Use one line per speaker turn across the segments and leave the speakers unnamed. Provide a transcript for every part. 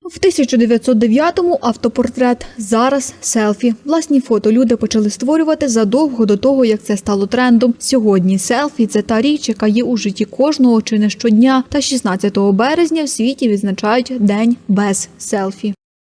В 1909-му автопортрет, зараз селфі. Власні фото люди почали створювати задовго до того, як це стало трендом. Сьогодні селфі – це та річ, яка є у житті кожного чи не щодня. Та 16 березня в світі відзначають День без селфі.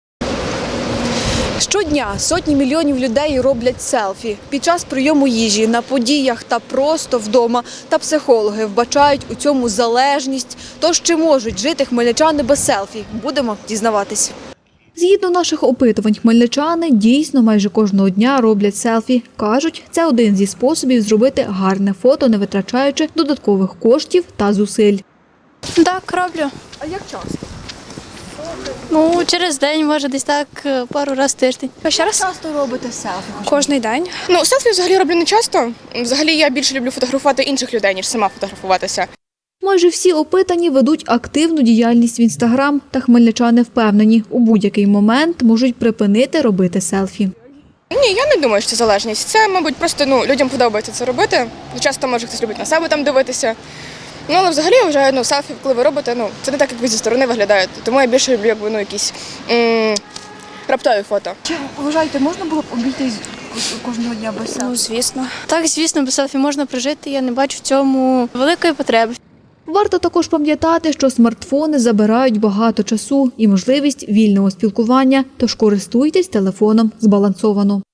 Щодня сотні мільйонів людей роблять селфі. Під час прийому їжі, на подіях та просто вдома. Та психологи вбачають у цьому залежність. Тож чи можуть жити хмельничани без селфі? Будемо дізнаватись. Згідно наших опитувань, хмельничани дійсно майже кожного дня роблять селфі. Кажуть, це один зі способів зробити гарне фото, не витрачаючи додаткових коштів та зусиль.
Так, роблю.
А як часто?
Через день, може, десь так, пару разів в тиждень. Ще раз?
Часто робите селфі?
Кожний день.
Селфі взагалі роблю не часто. Взагалі я більше люблю фотографувати інших людей, ніж сама фотографуватися.
Майже всі опитані ведуть активну діяльність в Інстаграм, та хмельничани впевнені, у будь-який момент можуть припинити робити селфі.
Ні, я не думаю, що це залежність. Це, мабуть, просто людям подобається це робити. Часто, може, хтось любить на себе там дивитися. Але взагалі я вважаю, селфі, коли ви робите, це не так, як ви зі сторони виглядаєте. Тому я більше люблю, якісь раптові фото.
Чи вважаєте, можна було б обійтись кожного дня без селфі?
Звісно. Так, звісно, без селфі можна прожити, я не бачу в цьому великої потреби.
Варто також пам'ятати, що смартфони забирають багато часу і можливість вільного спілкування, тож користуйтесь телефоном збалансовано.